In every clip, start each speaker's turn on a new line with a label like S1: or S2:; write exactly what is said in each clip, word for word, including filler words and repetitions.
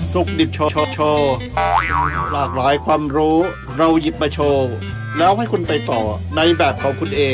S1: สุขดิบโชว์โชว์หลากหลายความรู้เราหยิบมาโชว์แล้วให้คุณไปต่อในแบบของคุณเอง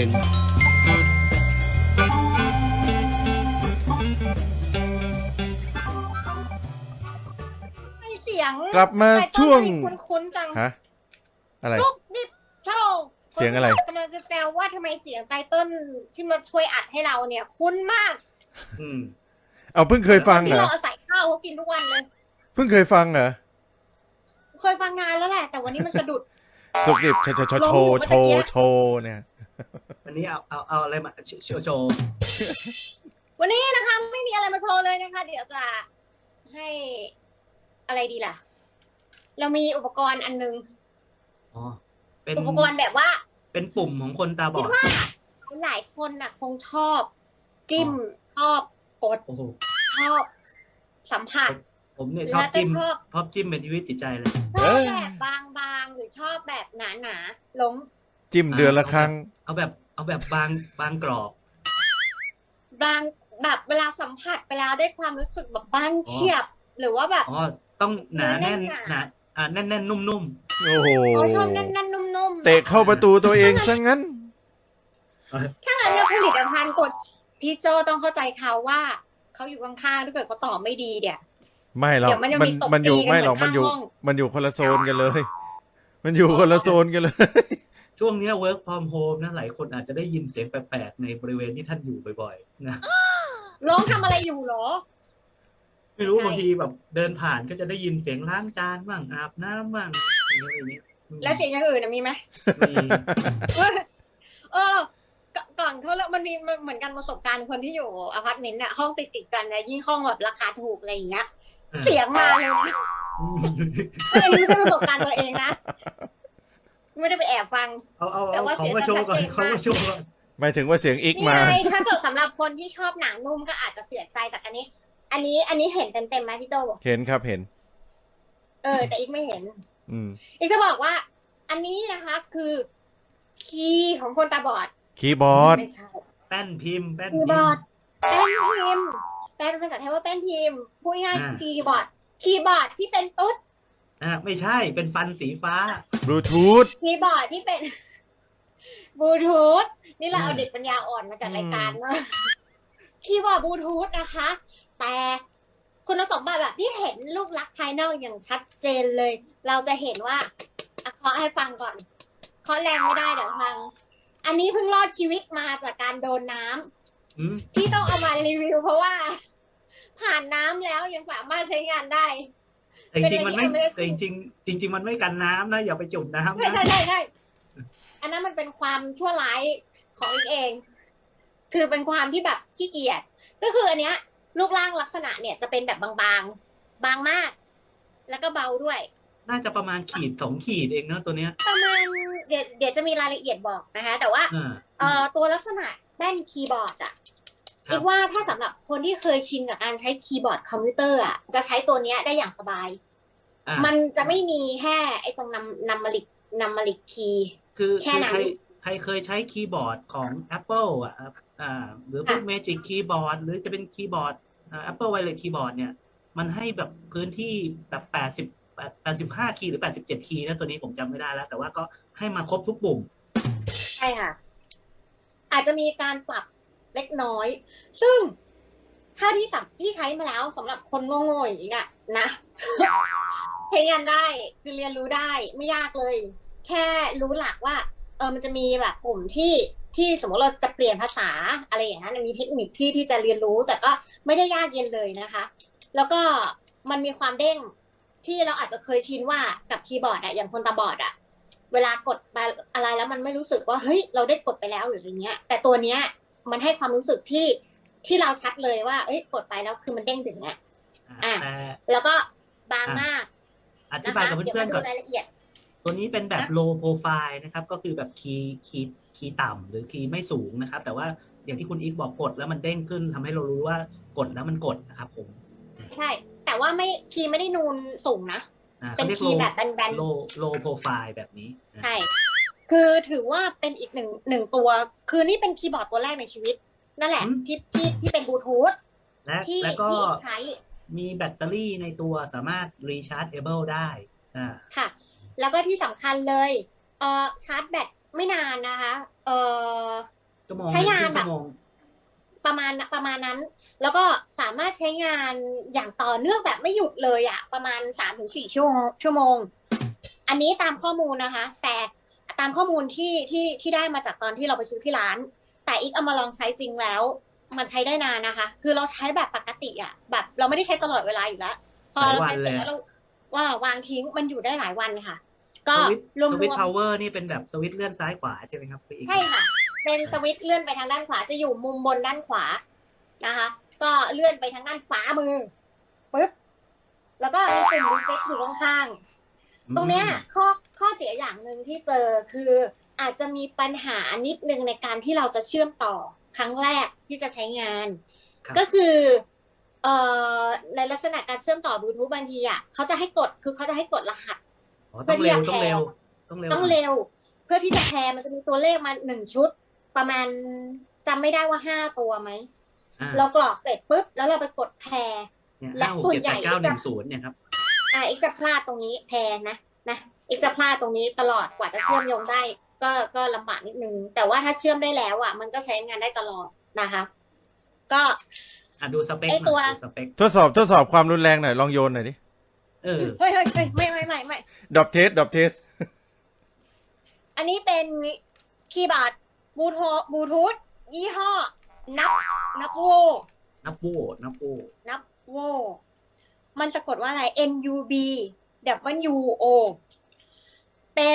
S2: เสียง
S3: กลับมาช่วง
S2: คุ้นๆจัง
S3: ฮะอะไร
S2: ลูกดิบโชว์
S3: เสียงอะไร
S2: กำลังจะแซวว่าทำไมเสียงไตเติ้ลที่มาช่วยอัดให้เราเนี่ยคุ้นมาก
S1: อืม
S3: เอาเพิ่งเคยฟังเหร
S2: ที่
S3: อ
S2: เราเอาใส่ข้าวเขากินทุกวันเลย
S3: เพิ่งเคยฟังเหรอ
S2: เคยฟังงานแล้วแหละ แต่วันนี้มันสะดุด
S3: สุกดิบโชว์โชว์โชว์โชว์โชว์เนี่ย
S4: วันนี้เอาเอาเอาอะไรมาโชว์โชว์
S2: วันนี้นะคะไม่มีอะไรมาโชว์เลยนะคะ เดี๋ยวจะให้อะไรดีล่ะ เรามีอุปกรณ์อันนึง
S4: อ๋อเป็น
S2: อุปกรณ์แบบว่า
S4: เป็นปุ่มของคนตาบ
S2: คิ
S4: อ
S2: ด
S4: ด
S2: ว่าหลายคนน่ะ คงชอบ จิ้มชอบกด
S4: โอ้โห
S2: ชอบสัมผัส
S4: ผมเนี่ยชอบจิ้ม
S2: แล้วก็ชอบ
S4: ชอบจิ้มเป็นชีวิตจิตใจเลย
S2: ชอบแบบบางๆหรือชอบแบบหนาๆล้ม
S3: จิ้มเดือนละครั้ง
S4: เอาแบบเอาแบบบางบางกรอบ
S2: บางแบบเวลาสัมผัสไปแล้วได้ความรู้สึกแบบบ้านเฉียบ หรือว่าแบบ
S4: อ๋อต้องหนาแน่น
S2: เนื้อแน่น
S4: หนาอ่าแน่นแน่นๆนุ่ม
S3: โอ้โห
S2: เขาชอบนั่นๆนุ่มๆ
S3: เตะเข้าประตูตัวเองซะงั้น
S2: ถ้างั้นเนี่ยผลิตภัณฑ์กดพี่โจต้องเข้าใจเขาว่าเขาอยู่ข้างๆถ้าเกิดเขาตอบไม่ดีเนี่ย
S3: ไม่หรอก
S2: เดี๋ยวมันยัง
S3: มัน
S2: มีตบ
S3: มันอยู่
S2: ตีกัน
S3: ไม่หรอก
S2: เหมื
S3: มั
S2: อน น
S3: อยู่
S2: ข้างห้อง
S3: มันอยู่คนละโซนกันเลย มันอยู่คนละโซนกันเลย
S4: ๆ ช่วงเนี้ย work from home นะหลายคนอาจจะได้ยินเสียงแปลกๆในบริเวณที่ท่านอยู่บ่อยๆนะ
S2: ร้องทำอะไรอยู่เหรอ
S4: ไม่รู้
S2: ใช่
S4: บางทีแบบเดินผ่านก็จะได้ยินเสียงล้างจานบ้างอาบน้ำบ้างอย่างเงี้ยอย่างเงี้ย
S2: แล้วเสียงอย่างอื่นน่ะมีไหม
S4: มี
S2: เออก่อนก่อนเขาแล้วมันมีมันเหมือนกันประสบการณ์คนที่อยู่อพาร์ตเมนต์น่ะห้องติดติดๆกันนะยิ่งห้องแบบราคาถูกอะไรอย่างเงี้ย เสียงมาเลยนะอันนี้ไม่ใช่ประสบการณ์ตัวเองนะไม่ได้ไปแอบฟัง
S4: เอาเอา
S2: แต่
S4: เอา
S2: ว่า
S4: ของมาโชว์ก่อน
S2: เสียง
S4: ของมาโชว์ก่อน
S3: หมายถึงว่าเสียงอีก
S2: นี่
S3: มา
S2: ไงถ้าเกิดสำหรับคนที่ชอบหนังนุ่มก็อาจจะเสียใจจากอันนี้ อันนี้ อันนี้เห็นเต็มเต็มๆไหมพี่โจ
S3: เห็นครับเห็น
S2: เออ แต่อีกไม่เห็น
S3: อืม
S2: อีกจะบอกว่า อันนี้นะคะคือคีย์ของคนตาบอด
S3: คีย์บอร์ด
S2: ไม่ใช่
S4: แป้นพิมพ์แป้น
S2: คี
S4: พิ
S2: ย์
S4: ม
S2: บอร์ด
S4: พ์
S2: แป้นพิมพ์แปลเป็นภาษาไทยว่าแป้นพิมพ์พูดง่ายๆ
S4: อ่า
S2: คีย์บอร์ด คีย์บอร์ดที่เป็นตุ๊ด
S4: อ่าไม่ใช่เป็นฟันสีฟ้า
S3: บลูทูธ
S2: คีย์บอร์ดที่เป็น บลูทูธนี่เราเอา
S4: อืม
S2: เด็กปัญญาอ่อนมาจัดรายการเนาะคีย์บอร์ดบลูทูธนะคะ แต่คุณสมบัติแบบที่เห็นรูปลักษณ์ภายนอกอย่างชัดเจนเลย เราจะเห็นว่าอ่ะเคาะให้ฟังก่อนเคาะแรงไม่ได้เดี๋ยวฟัง อันนี้เพิ่งรอดชีวิตมาจากการโดนน้ำ
S4: อืม
S2: ที่ต้องเอามารีวิวเพราะว่า ผ่านน้ำแล้วยังสามารถใช้งานได้
S4: แต่จริงๆมันไม่
S2: เป็นอะไรที่
S4: แต่จริงๆจริง ๆ มันไม่กันน้ำนะอย่าไปจุ่มน้ำ
S2: ใช่
S4: นะ
S2: ใช่ใช่ใช่อันนั้นมันเป็นความชั่วร้ายของอีกเอง คือเป็นความที่แบบขี้เกียจก็คืออันเนี้ยรูปร่างลักษณะเนี่ยจะเป็นแบบบางๆ บางมาก แล้วก็เบาด้วย
S4: น่าจะประมาณขีดสองขีดเองเนอะตัวเนี้ย
S2: ประมาณเดี๋ยวเดี๋ยวจะมีรายละเอียดบอกนะคะ แต่ว่า
S4: อ่า
S2: เอ่อตัวลักษณะแป้นคีย์บอร์ดอะ
S4: ครับ
S2: คิดว่าถ้าสำหรับคนที่เคยชินกับการใช้คีย์บอร์ดคอมพิวเตอร์อะจะใช้ตัวเนี้ยได้อย่างสบาย
S4: อ่า
S2: มันจะไม่มีแค่ไอ้ตรงนำนำมาลิกนำมาลิกคีย์
S4: คือ
S2: แค่
S4: คือ
S2: นั้น
S4: ใครใครเคยใช้คีย์บอร์ดของ Apple อ่ะอ่าหรือพวก
S2: ค่ะ
S4: Magic Keyboard หรือจะเป็นคีย์บอร์ดอ่า Apple Wireless Keyboard เนี่ย มันให้แบบพื้นที่แบบแปดสิบ แปดสิบห้าคีย์หรือแปดสิบเจ็ดคีย์นะตัวนี้ผมจำไม่ได้แล้ว แต่ว่าก็ให้มาครบทุกปุ่ม
S2: ใช่ค่ะ อาจจะมีการปรับเล็กน้อย ซึ่งถ้าที่สับที่ใช้มาแล้วสำหรับคนโง่ๆอย่างนี้อะนะ ใช้งานได้คือเรียนรู้ได้ไม่ยากเลย แค่รู้หลักว่า เออมันจะมีแบบปุ่มที่ที่สมมติเราจะเปลี่ยนภาษาอะไรอย่างนั้นมีเทคนิคที่ที่จะเรียนรู้ แต่ก็ไม่ได้ยากเย็นเลยนะคะ แล้วก็มันมีความเด้งที่เราอาจจะเคยชินว่ากับคีย์บอร์ดอะอย่างคนตาบอดอะเวลากดไปอะไรแล้วมันไม่รู้สึกว่าเฮ้ยเราได้กดไปแล้วหรืออะไรเงี้ย แต่ตัวเนี้ยมันให้ความรู้สึกที่ที่เราชัดเลยว่าเอ้ยกดไปแล้วคือมันเด้งถึงอะ
S4: อ่า
S2: อ่ะ
S4: แต่
S2: แล้วก็บางมาก
S4: อธิ
S2: นะ
S4: บาย
S2: คะ
S4: กับ
S2: เดี๋ยว
S4: เพื่อ
S2: มาน
S4: ๆ
S2: ดู
S4: ก่อน
S2: รายละเอียด
S4: ตัวนี้เป็นแบบ
S2: นะ
S4: low profile นะครับ ก็คือแบบคีย์คีย์คีย์ต่ำหรือคีย์ไม่สูงนะครับ แต่ว่าอย่างที่คุณอีกบอกกดแล้วมันเด้งขึ้นทำให้เรารู้ว่ากดแล้วมันกดนะครับผม
S2: ใช่ แต่ว่าไม่คีย์ไม่ได้นูนสูงนะ
S4: อ่า
S2: เป็น
S4: เขาเรียก
S2: คีย์
S4: low
S2: แบบแบน
S4: low low profile แบบนี้นะ
S2: ๆใช่ คือถือว่าเป็นอีกหนึ่งหนึ่งตัว คือนี่เป็นคีย์บอร์ดตัวแรกในชีวิต นั่นแหละ ที่ที่ที่เป็นบลูทูธ
S4: และ
S2: ที่
S4: แล้วก็
S2: ที่ใช้
S4: มีแบตเตอรี่ในตัวสามารถ rechargeable ได้อ่า
S2: ค่ะ แล้วก็ที่สำคัญเลยเอ่อชาร์จแบตไม่นานนะคะเอ่อ
S4: ชั่วโมง
S2: ใช้งาน
S4: ครึ่
S2: แบบ
S4: ชั่วโมง
S2: ประมาณประมาณนั้น แล้วก็สามารถใช้งานอย่างต่อเนื่องแบบไม่หยุดเลยอะประมาณสามถึงสี่ชั่วโมงชั่วโมง อันนี้ตามข้อมูลนะคะ แต่ตามข้อมูลที่ที่ที่ได้มาจากตอนที่เราไปซื้อที่ร้าน แต่อีกเอามาลองใช้จริงแล้ว มันใช้ได้นานนะคะ คือเราใช้แบบปกติอะแบบเราไม่ได้ใช้ตลอดเวลาอยู่แล้วพอเราใช้เสร็จแล้วเราว่าวางทิ้งมันอยู่ได้หลายวันค่ะ ก็รวม
S4: สวิตช์พาวเวอร์นี่เป็นแบบสวิตช์เลื่อนซ้ายขวาใช่ไหมครับพี่อีก
S2: ใช่ค่ะ เป็นสวิตช์เลื่อนไปทางด้านขวาจะอยู่มุมบนด้านขวานะคะ ก็เลื่อนไปทางด้านขวามือปึ๊บแล้วก็มีปุ่มรีเซ็ตอยู่ข้างๆตรงเนี้ยข้อข้อเสียอย่างหนึ่งที่เจอคืออาจจะมีปัญหานิดนึงในการที่เราจะเชื่อมต่อครั้งแรกที่จะใช้งาน ก็คือเอ่อในลักษณะการเชื่อมต่อบลูทูธบางทีอ่ะเขาจะให้กดคือเขาจะให้กดรหัส
S4: ต้องเร็วต้องเร็วต้องเร็ว
S2: ต้องเร็ว เพื่อที่จะแพร์มันจะมีตัวเลขมาหนึ่งชุด ประมาณจำไม่ได้ว่าห้าตัวไหมเรากรอกเสร็จปุ๊บแล้วเราไปกดแพร์และส่วนใหญ่เก้าหนึ่งศูนย์เนี่ยครับอ่าอีกจะพลาดตรงนี้แพร์นะนะอีกจะพลาดตรงนี้ตลอดกว่าจะเชื่อมโยงได้ ก็ก็ลำบากนิดนึงแต่ว่าถ้าเชื่อมได้แล้วอ่ะมันก็ใช้งานได้ตลอดนะคะก็
S4: อ่ะดูสเปค
S2: ตัว
S4: สเปค
S3: ทดสอบทดสอบความรุนแรงหน่อยลองโยนหน่อยดิ
S4: เออ
S2: เฮ้ยเฮ้ยไม่ไม่ไม่ไม่
S3: ดรอปเทสดรอปเทส
S2: อันนี้เป็นคีย์บอร์ดบลูทูธบลูทูธยี่ห้อนับนับโว
S4: นับโวนับโว
S2: นับโวมันสะกดว่าอะไร N U B W O เป็น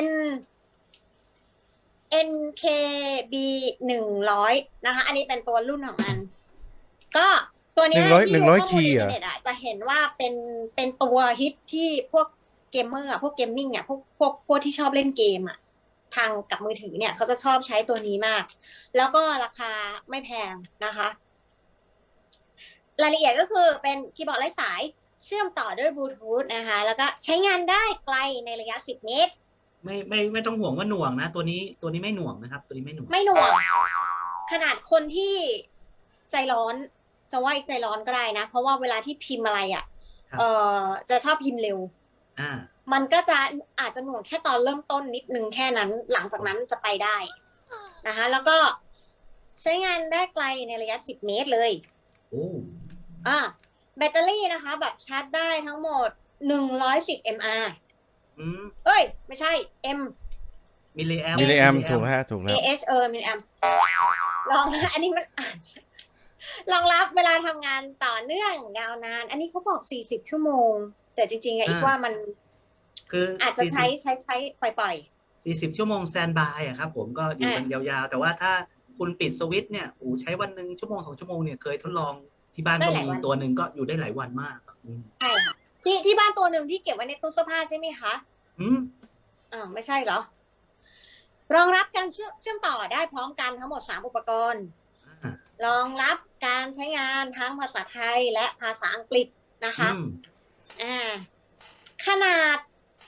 S2: N K B หนึ่งร้อยนะคะอันนี้เป็นตัวรุ่นของมันก็ตัวนี้
S3: หนึ่งร้อยหนึ่งร้อยคีย์อ่ะ
S2: จะเห็นว่าเป็นเป็นตัวฮิตที่พวกเกมเมอร์อ่ะพวกเกมมิ่งอ่ะพวกพวกพวกที่ชอบเล่นเกมอ่ะทางกับมือถือเนี่ยเขาจะชอบใช้ตัวนี้มากแล้วก็ราคาไม่แพงนะคะรายละเอียดก็คือเป็นคีย์บอร์ดไร้สายเชื่อมต่อด้วยบลูทูธนะคะแล้วก็ใช้งานได้ไกลในระยะสิบเมตร
S4: ไม่ไม่ไม่ต้องห่วงว่าหน่วงนะตัวนี้ตัวนี้ไม่หน่วงนะครับตัวนี้ไม่หน่วง
S2: ไม่หน่วงขนาดคนที่ใจร้อนจะว่าใจร้อนก็ได้นะเพราะว่าเวลาที่พิมพ์อะไรอ่ะเออจะชอบพิมพ์เร็ว
S4: อ่า
S2: มันก็จะอาจจะหน่วงแค่ตอนเริ่มต้นนิดนึงแค่นั้นหลังจากนั้นจะไปได้นะคะแล้วก็ใช้งานได้ไกลในระยะสิบเมตรเลย
S4: โอ้
S2: อ่าแบตเตอรี่นะคะแบบชาร์จได้ทั้งหมดหนึ่งร้อยสิบมิลลิแอมป์
S4: อืม
S2: เอ้ยไม่ใช่ M
S4: มิลลิแอม
S3: มิลลิแอมถูกแล้วถูกแล้ว
S2: A H เออมิลลิแอมลองนะอันนี้มันรองรับเวลาทำงานต่อเนื่องยาวนานอันนี้เขาบอกสี่สิบชั่วโมงแต่จริงๆอะอีกว่ามัน
S4: คือ
S2: อาจจะใช้ใช้ใช้ปล่อย
S4: ๆสี่สิบชั่วโมงแซนบายอะครับผมก็อยู่กันยาวๆแต่ว่าถ้าคุณปิดสวิตช์เนี่ยโอ้ใช้วันหนึ่งชั่วโมงสองชั่วโมงเนี่ยเคยทดลองที่บ้านก็มีตัวหนึ่งก็อยู่ได้หลายวันมาก
S2: ใช่ค่ะที่ที่บ้านตัวหนึ่งที่เก็บไว้ในตู้เสื้อผ้าใช่ไหมคะ
S4: อืม
S2: อ่าไม่ใช่เหรอรองรับการเชื่อมต่อได้พร้อมกันทั้งหมดสามอุปกรณ์รองรับการใช้งานทั้งภาษาไทยและภาษาอังกฤษนะคะอ่าขนาด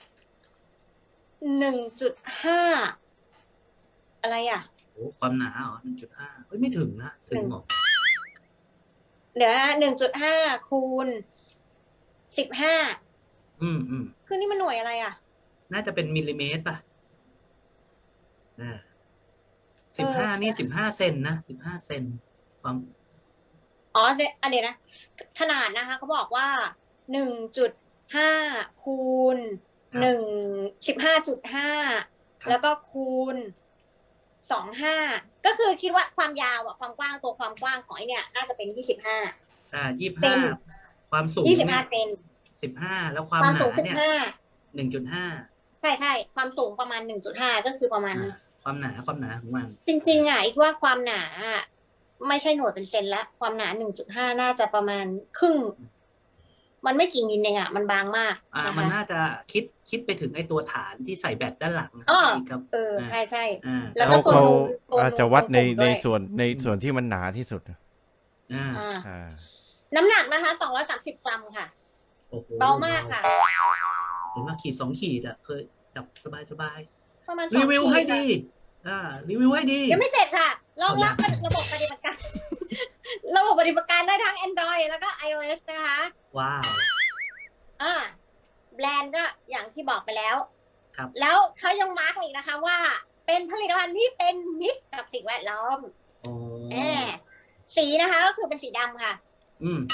S2: หนึ่งจุดห้า อะไรอ่ะ
S4: โอ้ความหนาอ๋อ หนึ่งจุดห้า เฮ้ยไม่ถึงนะถึงหรอ
S2: เดี๋ยว หนึ่งจุดห้า คูณสิบห้า
S4: อืมอืม
S2: คือนี่มันหน่วยอะไรอ่ะ
S4: น่าจะเป็นมิลลิเมตรป่ะอ่าสิบห้านี่สิบห้าเซนนะสิบห้าเซนความ
S2: อ๋ออันเดี๋ยวนะขนาดนะคะเขาบอกว่า หนึ่งจุดห้า คูณหนึ่ง สิบห้าจุดห้า แล้วก็คูณสองห้าก็คือคิดว่าความยาวอะความกว้างตัวความกว้างของไอเนี่ยน่าจะเป็นยี่สิบห้า
S4: อ่ายี่สิบห้าความสูง
S2: ยี่สิบห้าเซน
S4: สิบห้าแล้วความหนาเนี่ยหนึ่งจุดห้า
S2: ใช่ใช่ความสูงประมาณหนึ่งจุดห้าก็คือประมาณ
S4: ความหนาความหนาของมัน
S2: จริงๆอ่ะอีกว่าความหนาไม่ใช่หน่วยเป็นเซนละความหนา หนึ่งจุดห้า น่าจะประมาณครึ่งมันไม่กี่มิลเองอ่ะมันบางมาก
S4: อ่ามันน่าจะคิดคิดไปถึงไอ้ตัวฐานที่ใส่แบตด้านหลัง
S2: ครับเออใช่ใช่
S3: แล้วก็เขาอาจจะวัดในในส่วนในส่วนที่มันหนาที่สุด
S2: อ่าน้ำหนักนะคะสองร้อยสามสิบกรัมค่ะเบามากค่ะ
S4: เห็นว่าขีดสองขีดอ่ะเคยจับสบายสบาย
S2: ประมาณ
S4: รีวิวให้ดีอ่ารีวิวให้ดี
S2: ยังไม่เสร็จค่ะรองรับระบบปฏิบัติการ ระบบปฏิบัติการได้ทั้ง Android แล้วก็ iOS นะคะ
S4: ว้าว
S2: อ่าแบรนด์ก็อย่างที่บอกไปแล้ว
S4: ครับ
S2: แล้วเขายังมาร์กอีกนะคะว่าเป็นผลิตภัณฑ์ที่เป็นมิตรกับสิ่งแวดล้อม
S4: โอ้
S2: แอบสีนะคะก็คือเป็นสีดำค่ะ
S4: อืม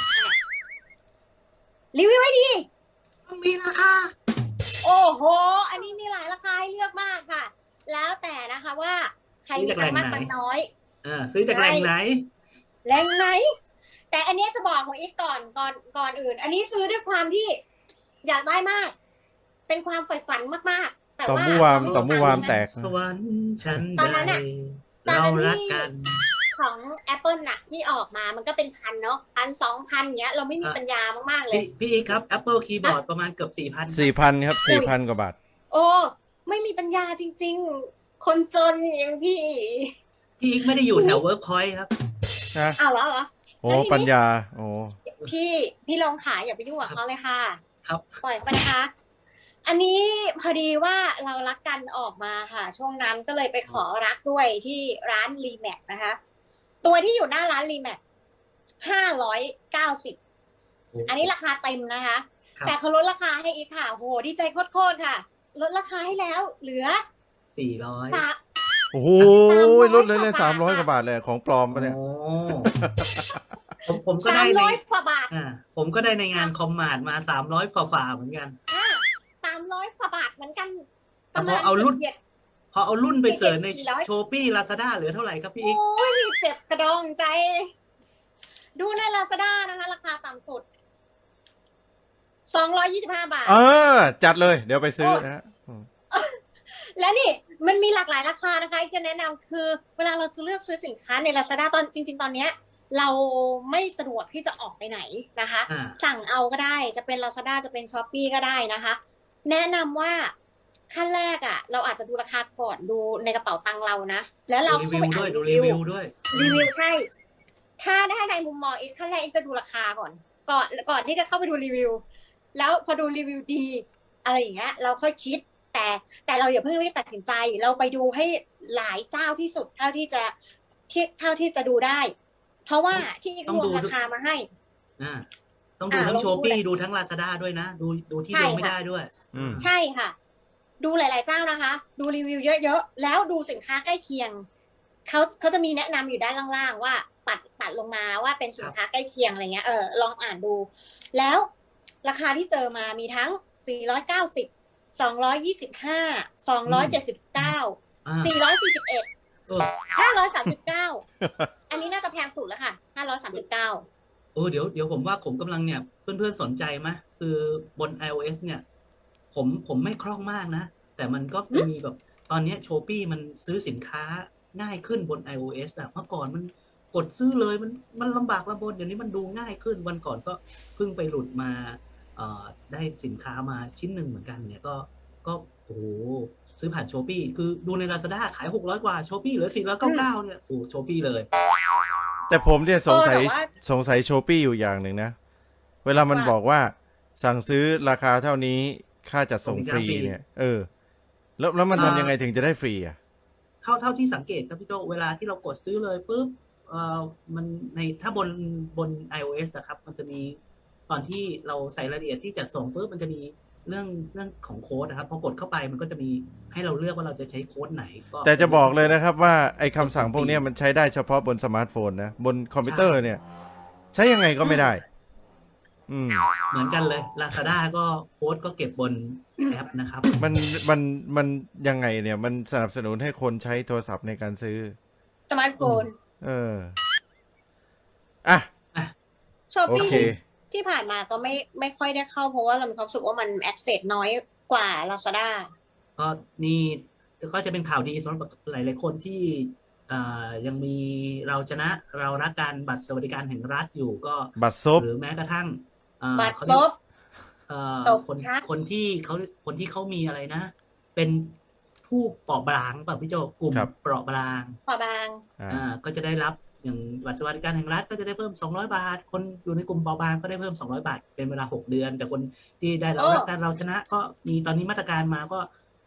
S2: รีวิวไว้ดี
S4: มีราคา
S2: โอ้โห อันนี้มีหลายราคาให้เลือกมากค่ะ แล้วแต่นะคะว่าใครมีตังค์มากตังค์น้อย
S4: เออซื้อจากแหล่งไหน
S2: แรงไหน แต่อันเนี้ยจะบอกของอีกก่อนก่อนก่อนอื่น อันนี้ซื้อด้วยความที่อยากได้มาก เป็นความใฝ่ฝันมากๆ แต่
S3: ต่อ
S2: ว่า
S3: มู่วาม
S2: เขไ
S3: ต่อมู่วาม
S2: ตังค์
S3: แตก
S4: สวรรค์ฉัน
S2: ตอนนั้น
S4: ใด
S2: น่ะตอน
S4: เรา
S2: นั้น
S4: รัก
S2: ที่
S4: กัน
S2: ของ Apple น่ะที่ออกมามันก็เป็นพันเนาะพันสองพันเงี้ย เราไม่มี
S4: อ่ะ
S2: ปัญญามากๆเล
S4: พี่
S2: ย
S4: พี่อีกครับ Apple Keyboard ประมาณเกือบสี่พัน
S3: สี่พันครับสี่พันกว่าบาท
S2: โอ้ไม่มีปัญญาจริง ๆ คนจนอย่างพี่
S4: พี่อีกไม่ได้อยู่แถว Workpoint ครับ
S3: นะ
S2: อ้าวเหรอเหรอ
S3: โอ้
S2: แล้วทีนี้
S3: ปัญญา โอ้
S2: พี่พี่ลองขายอย่าไปยุ่งกับเขาเลยค่ะ
S4: ครับ
S2: ปล่อยไปนะคะ อันนี้พอดีว่าเรารักกันออกมาค่ะ ช่วงนั้นก็เลยไปขอรักด้วยที่ร้านรีแมทนะคะ ตัวที่อยู่หน้าร้านรีแมทห้าร้อยเก้าสิบอันนี้ราคาเต็มนะคะ
S4: ครับ
S2: แต่เขาลดราคาให้อีกค่ะโหดีใจโคตรๆค่ะ ลดราคาให้แล้ว เหลือ
S4: สี่ร้อย
S2: สาม
S3: โอ้โห
S2: สามร้อย
S3: ลดเลยเลย
S2: กว่า
S3: สามร้อย
S2: บาท
S3: กว่าบาทเลยของปลอมปะเนี่ย
S4: โอ้ผมผมก็
S2: สา
S4: ได้
S2: ม
S4: ใน
S2: ร้อยกว่าบาท
S4: อ่าผมก็ได้ในงานคอมมาดมาสามร้อยฝ่าๆเหมือนกัน
S2: สามร้อยกว่าบาทเหมือนกัน
S4: แต่พอเอารุ่น
S2: เฉียด
S4: พอเอารุ่นไปเสิร์ชใน
S2: สี่ร้อย
S4: โชปี้ลาซาด้าเหลือเท่าไหร่ครับ
S2: ๆ
S4: พี่อีก
S2: โอ้ยเจ็บกระดองใจ ดูในลาซาด้านะคะ ราคาต่ำสุดสองร้อยยี่สิบห้าบาท
S3: เออ จัดเลย เดี๋ยวไปซื้อนะฮะ
S2: และนี่มันมีหลากหลายราคานะคะจะแนะนำคือ เวลาเราจะเลือกซื้อสินค้าใน Lazada ตอนจริง ๆ ตอนเนี้ย เราไม่สะดวกที่จะออกไปไหนนะคะ
S4: อ่า
S2: สั่งเอาก็ได้จะเป็น Lazada จะเป็น Shopee ก็ได้นะคะ แนะนำว่าขั้นแรกอ่ะ เราอาจจะดูราคาก่อนดูในกระเป๋าตังค์เรานะ แล้วเรา
S4: ดูรี
S2: เข้า
S4: วิ
S2: ไป
S4: ว
S2: อ่า
S4: ด้วย
S2: น
S4: ดูรีวิวด้วย
S2: รีวิวใช่ ถ้าได้ในมุมมองอีกขั้นแรกอีกจะดูราคาก่อน ก่อนก่อนที่จะเข้าไปดูรีวิว แล้วพอดูรีวิวดี อะไรอย่างเงี้ย เราค่อยคิด แต่แต่เราอย่าเพิ่งรีบตัดสินใจ เราไปดูให้หลายเจ้าที่สุดเท่าที่จะที่เท่าที่จะดูได้ เพราะว่าที่อีก
S4: ต้
S2: ร
S4: อง
S2: วม
S4: ดู
S2: ราคามาให้
S4: อ่าต้องดู
S2: อ่า
S4: ทั้ง
S2: ลอง
S4: โช
S2: ดู
S4: ปี้
S2: เลย
S4: ดูทั้งลาซาด้าด้วยนะ ดูดูที่
S2: ใช่
S4: เดียวไม่
S2: ค่ะ
S4: ได้ด้วย
S3: อืม
S2: ใช่ค่ะ ดูหลาย ๆ เจ้านะคะ ดูรีวิวเยอะ ๆ แล้วดูสินค้าใกล้เคียง เขาเขาจะมีแนะนำอยู่ด้านล่าง ๆ ว่าปัดปัดลงมาว่าเป็นสินค้าใกล้เคียงอะไรเงี้ย เออ ลองอ่านดู แล้วราคาที่เจอมามีทั้ง สี่ร้อยเก้าสิบ สองร้อยยี่สิบห้า สองร้อยเจ็ดสิบเก้า
S4: อ่า
S2: สี่ร้อยสี่สิบเอ็ด
S4: เออ
S2: ห้าร้อยสามสิบเก้า อันนี้น่าจะแพงสุดแล้วค่ะ ห้าร้อยสามสิบเก้า
S4: เออเดี๋ยวเดี๋ยวผมว่าผมกำลังเนี่ยเพื่อนๆสนใจไหมคือบน iOS เนี่ย ผมผมไม่คล่องมากนะ แต่มันก็จะมีแบบตอนเนี้โชปี้มันซื้อสินค้าง่ายขึ้นบน iOS อะเมื่อก่อนมันกดซื้อเลยมันมันลำบากลำบนเดี๋ยวนี้มันดูง่ายขึ้นวันก่อนก็เพิ่งไปหลุดมาเอ่อได้สินค้ามาชิ้นหนึ่งเหมือนกันเนี่ยก็ก็โอ้โหซื้อผ่านโชปี้คือดูใน Lazada ขายหกร้อยกว่าโชปี้เหลือสี่ร้อยเก้าสิบเก้าเนี่ยโอ้โชปี้เลย
S3: แต่ผมเนี่ยสงสัย
S2: เออแต่ว่า
S3: สงสัยโชปี้อยู่อย่างหนึ่งนะ เวลามัน
S2: ว่า
S3: บอกว่า สั่งซื้อราคาเท่านี้ค่าจัดส่งฟรี
S4: ส่งฟรี
S3: เนี่ย เออ แล้วแล้วมัน
S4: อ่า
S3: ทำยังไงถึงจะได้ฟรีอ่ะ
S4: เท่าเท่าที่สังเกตครับพี่โจเวลาที่เรากดซื้อเลยปุ๊บเอ่อมันในถ้าบนบน iOS อะครับ มันจะมีตอนที่เราใส่รายละเอียดที่จะส่งปุ๊บมันจะมีเรื่องเรื่องของโค้ดนะครับพอกดเข้าไปมันก็จะมีให้เราเลือกว่าเราจะใช้โค้ดไหนก็
S3: แต่จะบอกเลยนะครับว่าไอ้คำสั่งพวกเนี้ยมันใช้ได้เฉพาะบนสมาร์ทโฟนนะ บนคอมพิวเตอร์เนี่ย ใช้ยังไงก็ไม่ได้ อืม
S4: เหมือนกันเลย Lazada ก็โค้ดก็เก็บบนแอปนะครับ
S3: มันมันมันยังไงเนี่ย มันสนับสนุนให้คนใช้โทรศัพท์ในการซื้อ
S2: สมาร์ทโฟน
S3: เออ อ่ะ
S2: ชอป
S3: โอ
S2: ปี้
S3: เค
S2: ที่ผ่านมาก็ไม่ไม่ค่อยได้เข้าเพราะว่าเรามีความรู้สึกว่ามันแอ c เซสน้อยกว่า Lazada
S4: ก็นี่ก็จะเป็นข่าวดีสำหรับหลายๆคนที่เอ่อยังมีเราชนะเรารักการบัตรสวัสดิการแห่งรัฐอยู่ก็
S3: บัตรซบ
S4: หรือแม้กระทั่งเอ่อ
S2: บัตร
S4: เขา
S2: ซ
S4: เรียก
S2: บ
S4: เอ่อ
S2: ตก
S4: คน
S2: ชัด
S4: คนที่เขาคนที่เขามีอะไรนะ เป็นผู้เปราะบางป่ะพี่โจกลุ่ม
S3: ครับ
S4: เปราะบาง
S2: พอบาง
S3: อ่า
S4: อ่าก็จะได้รับอย่างบัตรสวัสดิการแห่งรัฐก็จะได้เพิ่มสองร้อยบาท คนอยู่ในกลุ่มเปราะบางก็ได้เพิ่มสองร้อยบาทเป็นเวลาหกเดือน แต่คนที่ได้เรารักการเราชนะก็มีตอนนี้มาตรการมาก็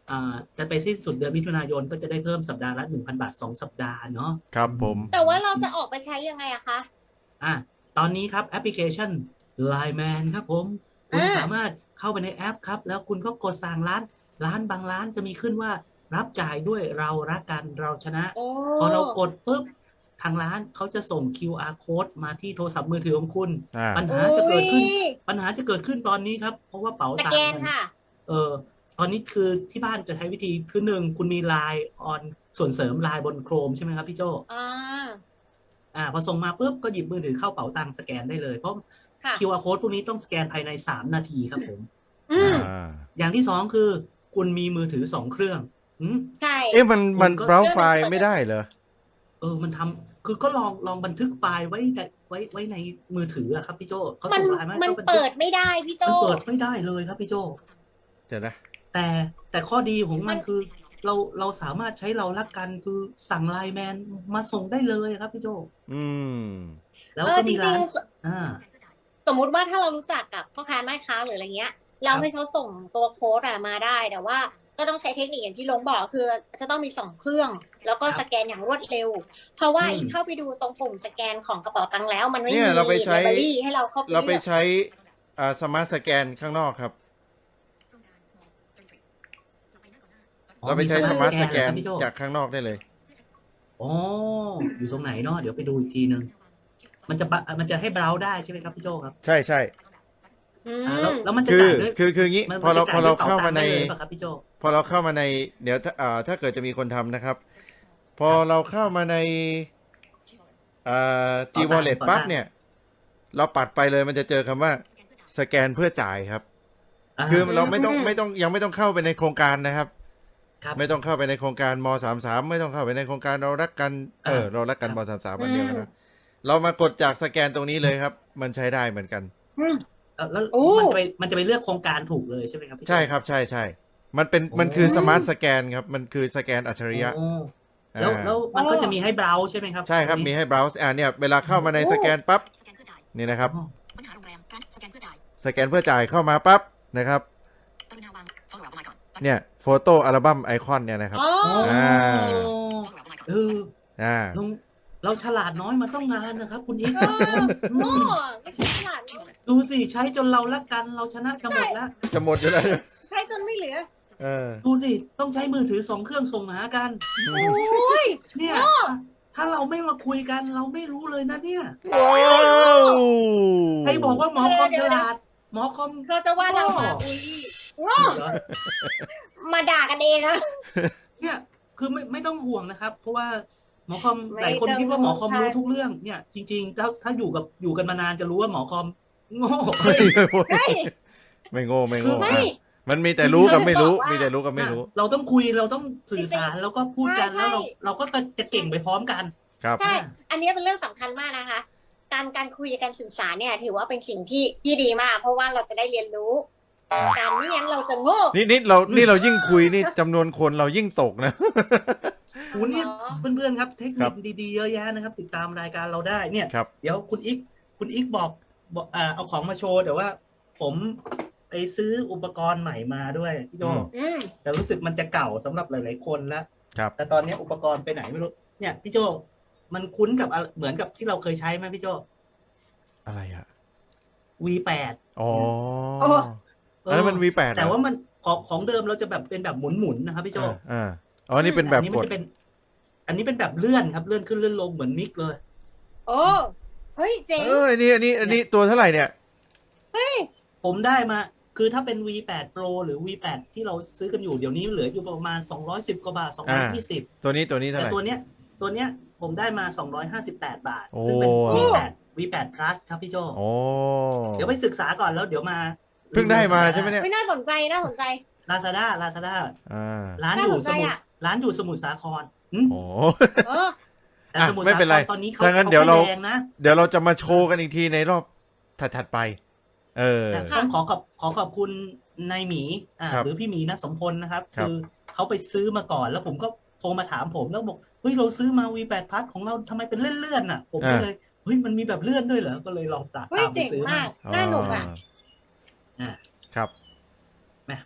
S4: อ่าจะไปสิ้นสุดเดือนมิถุนายนก็จะได้เพิ่มสัปดาห์ละหนึ่งพันบาทสองสัปดาห์เนาะ
S3: ครับผม
S2: แต่ว่าเราจะออกไปใช้ยังไงอะคะ
S4: อ่ะตอนนี้ครับแอปพลิเคชัน ไลน์ แมน ครับผมคุณ
S2: อ่า
S4: สามารถเข้าไปในแอปครับ แล้วคุณก็กดสั่งร้านร้านบางร้านจะมีขึ้นว่ารับจ่ายด้วยเรารักกันเราชนะ
S2: โอ้
S4: พอเรากดปุ๊บทางร้านเขาจะส่ง คิว อาร์ code มาที่โทรศัพท์มือถือของคุณ
S3: อ่า
S4: ปัญหาจะเกิดขึ้น
S2: อุ๊ย
S4: ปัญหาจะเกิดขึ้นตอนนี้ครับ เพราะว่าเป๋า
S2: ส
S4: ตัง
S2: แก
S4: ค์
S2: น
S4: มัน
S2: ค่ะ
S4: เออตอนนี้คือที่บ้านจะใช้วิธีคือหนึ่งคุณมี ไลน์ ออนส่วนเสริม ไลน์ บนโครมใช่ไหมครับพี่โจ
S2: อ่า
S4: อ่าพอส่งมาปุ๊บก็หยิบมือถือเข้าเป๋าตังค์สแกนได้เลย เพราะ
S2: ค่ะ
S4: คิว อาร์ code พวกนี้ต้องสแกนภายในสามนาทีครับผม
S2: อืม
S3: อ่า
S4: อย่างที่สองคือคุณมีมือถือสองเครื่องอืม
S2: ใช่
S3: เอ๊ะมันมัน
S4: คุณก็
S3: เบราว์ไฟล์ไม่ได้เหรอ
S4: เออมันทำคือก็ลองลองบันทึกไฟล์ไว้ในไว้ไว้ในมือถืออะครับพี่โจเขา
S2: มัน
S4: ส่งไลน์มาให้
S2: มัน
S4: ก็บันทึก
S2: เปิดไม่ได้พี่โจ
S4: มันเปิดไม่ได้เลยครับพี่โจ
S3: เดี๋ยวนะ
S4: แต่แต่ข้อดีของมั
S2: มัน น
S4: คือ เราเราสามารถใช้เรารักกันคือสั่งไลน์แมนมาส่งได้เลยครับพี่โจ
S3: อืม
S4: แล้ว
S2: เออ
S4: ก็
S2: จ
S4: มี
S2: ริ
S4: ร้าง น
S2: ๆ
S4: อ่า
S2: สมมุติว่าถ้าเรารู้จักกับพ่อค้าแม่ค้าหรืออะไรเงี้ย เรา
S4: ครับ
S2: ให้เขาส่งตัวโค้ดอะมาได้ แต่ว่าก็ต้องใช้เทคนิคอย่างที่ลงบอกคือจะต้องมีสองเครื่อง แล้วก็
S4: ครับ
S2: สแกนอย่างรวดเร็ว เพราะว่า
S4: อืม
S2: อีกเข้าไปดูตรงปุ่มสแกนของกระเป๋าตังค์แล้ว มันไม่
S3: เนี่
S2: มี
S3: ยเราไปใช้
S2: ไลบรารีให้เราเข้าไป
S3: เราไป
S2: เลือก
S3: ใช้อ่าสมาร์ทสแกนข้างนอกครับ
S4: อ๋อ
S3: เราไปใช้
S4: มี
S3: สมาร์ทสแกน
S4: เหรอครับพี่โจ
S3: จากข้างนอกได้เลย
S4: อ๋ออยู่ตรงไหนเนาะเดี๋ยวไปดูอีกทีนึง มันจะบะมันจะให้เบราว์ได้ใช่ไหมครับพี่โจครับ
S3: ใช่ใช่
S2: อื
S4: อ่าแล้ว
S2: ม
S4: แล้วมันจะ
S3: คือ
S4: จ่ายด้วย
S3: คือคืองี้
S4: มัน
S3: พอเรา
S4: มันจะ
S3: พอ
S4: จ่ย
S3: เรา
S4: ด้วย
S3: เข้ามาใน
S4: ป๋ตังค์ได้เลยป่ะครับพี่โจ
S3: พอเราเข้ามาในเดี๋ยวถ้าอ่าถ้าเกิดจะมีคนทำนะครับ พอเราเข้ามาในอ่า G
S4: เป๋าตังค์
S3: Wallet
S4: เป๋าตังค์
S3: ปั๊บเนี่ย เราปัดไปเลยมันจะเจอคำว่าสแกนเพื่อจ่ายครับ
S4: อ่า
S3: คือเราไม่ต้อง
S2: อืม
S3: ไม่ต้องยังไม่ต้องเข้าไปในโครงการนะครับ
S4: ครับ
S3: ไม่ต้องเข้าไปในโครงการมสามสามไม่ต้องเข้าไปในโครงการเรารักกันเออ
S4: อ่า
S3: เรารักกัน
S4: ครับ
S3: มสามสามวันเดียวกันนะเรามากดจากสแกนตรงนี้เลยครับ มันใช้ได้เหมือนกัน
S2: อืม
S4: เอ่อแล้ว
S2: โอ้
S4: มันจะไปมันจะไปเลือกโครงการถูกเลยใช่ไหมครับพี่โจ
S3: ใช่ครับใช่ใช่มันเป็น
S4: โอ้
S3: มันคือสมาร์ทสแกนครับมันคือสแกนอัจฉริยะ
S4: โอ้แล้ว
S3: อ่า
S4: แล้วมันก็จะมีให้เบราว์ใช่ไหมครับ
S3: ใช่ครับ
S4: ตง
S3: มี
S4: นี้
S3: ให้ browse อ่าเนี่ยเวลาเข้ามาในสแกนปั๊บนี่นะครับ
S4: อ๋อ
S5: ค้นหาโรงแรมร้านสแกนเพื่อจ่าย
S3: สแกนเพื่อจ่ายเข้ามาปั๊บนะครับ
S5: กรุณาวางโฟล์เอามาก่อน
S3: เนี่ยโฟโต้อัลบั้มไอคอนเนี่ยนะครับ
S2: อ๋อ
S3: อ่า
S5: โฟล์เอามาก่อน
S4: เออ
S3: อ่า
S4: เราเราฉลาดน้อยมาต้องงานนะครับ คุณอีก
S2: เออโอ้ไม่ใช่ตลาดนี่
S4: ดูสิใช้จนเรารักกันเราชนะกันหมดแล้ว
S3: จะหมดอยู่แล้ว
S2: ใช้จนไม่เหลือ
S3: เออ
S4: ดูสิต้องใช้มือถือสองเครื่องส่งหากัน
S2: โอ้ย
S4: เนี่ยถ้าเราไม่มาคุยกันเราไม่รู้เลยนะเนี่ย
S3: ว้าว
S4: ใครบอกว่าหมอคอม
S2: เดี๋
S4: ฉ
S2: ยวๆ
S4: ลาด หมอคอม
S2: เขาจะว่าเรามาอุ้ยโง่
S4: เหรอ
S2: มาด่ากันเองนะ
S4: เนี่ยคือไม่ไม่ต้องห่วงนะครับ เพราะว่าหมอคอม
S2: ไม่
S4: หลายคน
S2: ต้อง
S4: คิดว่าหมอคอม
S2: ใช่
S4: รู้ทุกเรื่องเนี่ย จริงๆถ้าถ้าอยู่กับอยู่กันมานานจะรู้ว่าหมอคอมโง่
S2: เฮ้ย
S3: ไม่โง่ไม่โง่
S2: ไม่
S3: อ่ะมันมีแต่รู้กับไม่รู้
S2: คือ
S3: มีแต่รู้กับไม่รู้
S4: เราต้องคุยเราต้องสื่อสารแล้วก็พูดกัน
S2: ใช่
S4: แล้วเรา
S2: ใช่
S4: เราก็จะเก่งไปพร้อมกัน
S3: ครับ
S2: ใช่ อันนี้เป็นเรื่องสำคัญมากนะคะ การการคุยการสื่อสารเนี่ย ถือว่าเป็นสิ่งที่ที่ดีมาก เพราะว่าเราจะได้เรียนรู้ การไม่งั้นเราจะโง่
S3: นี่นี่เรานี่เรายิ่งคุยนี่จำนวนคนเรายิ่งตกนะ
S4: โอ้เนี่ย
S2: อ๋อ
S4: เพื่อนๆครับ เทค
S3: ค
S4: นิ
S3: รั
S4: ค
S3: บ
S4: ดีๆเยอะแยะนะครับ ติดตามรายการเราได้เนี่ย
S3: ครับ
S4: เดี๋ยวคุณอีกคุณอีกบอกบอกอ่าเอาของมาโชว์แต่ว่า ผมไปซื้ออุปกรณ์ใหม่มาด้วยพี่โจ
S3: อืม
S2: อืม
S4: แต่รู้สึกมันจะเก่าสำหรับหลายๆคนแล้ว
S3: ครับ
S4: แต่ตอนนี้อุปกรณ์ไปไหนไม่รู้เนี่ยพี่โจมันคุ้นกับอะไรเหมือนกับที่เราเคยใช้ไหมพี่โจ
S3: อะไรอ่ะ
S4: วี แปด
S3: อ๋อ
S2: โอ้
S3: อันนั้นมัน วี แปด
S4: แต่ว่ามันของของเดิมเราจะแบบเป็นแบบหมุนๆนะครับพี่โจ
S3: อ่าอ่าอ๋อนี่เป็นแบบ
S4: อันนี้
S3: ก
S4: มัน
S3: ด
S4: จะเป็น อันนี้เป็นแบบเลื่อนครับเลื่อนขึ้นเลื่อนลงเหมือนมิกเลย
S2: โอ้เฮ้ยเจ๋ง
S3: เอออันนี้อันนี้อันนี้ตัวเท่าไหร่เนี่ย
S4: ผมได้มาคือถ้าเป็น วี แปด Pro หรือ วี แปด ที่เราซื้อกันอยู่เดี๋ยวนี้เหลืออยู่ประมาณสองร้อยสิบกว่าบาทสองร้อยยี่สิบ
S3: ตัวนี้ตัวนี้เท่า
S4: แต่
S3: ไหร่
S4: ตัวเนี้ยตัวเนี้ยผมได้มาสองร้อยห้าสิบแปดบาท
S3: โอ้
S4: ซึ่งเป็น วี แปด วี แปด plus ครับพี่โจ
S3: โอ้
S4: เดี๋ยวไปศึกษาก่อนแล้วเดี๋ยวมา
S3: เพิ่งได้มาใช่ไหมเนี่ย
S2: ไม่น่าสนใจน่าสนใจ
S4: ลาซาด้าลาซาด้า
S3: อ่า
S4: ร้านอยู่
S2: น่าสน
S4: ส
S2: ใจ
S4: มุทร
S2: อะ
S4: ร้านอยู่สมุทรสาครอืม
S3: โอ้
S2: เออ
S4: แต่
S3: อ่ะ
S4: สมุทร
S3: ไม่
S4: สา
S3: เป็น
S4: ค
S3: ไร
S4: รตอนนี้เขา
S3: ถ้างั้น
S4: เขา
S3: เดี๋ยวเรา
S4: แดงนะ
S3: เดี๋ยวเราจะมาโชว์กันอีกทีในรอบถัดๆไป เออ
S4: แต่ต้องขอขอบขอขอบคุณนายหมีอ่า
S3: ครับ
S4: หรือพี่หมีนะสมพลนะครับ
S3: ครับ
S4: คือเขาไปซื้อมาก่อนแล้วผมก็โทรมาถามผมแล้วบอกเฮ้ยเราซื้อมา วี แปด plus ของเราทำไมเป็นเลื่อนๆน่ะ ผมก็เลยเฮ้ยมันมีแบบเลื่อนด้วยเหรอก็เลยลองตาม
S2: เฮ้ย
S4: ตามไป
S2: เจ๋ง
S4: ซื้อ
S2: มาก น่าหนุกอ่ะ
S4: อ่า
S3: ครับ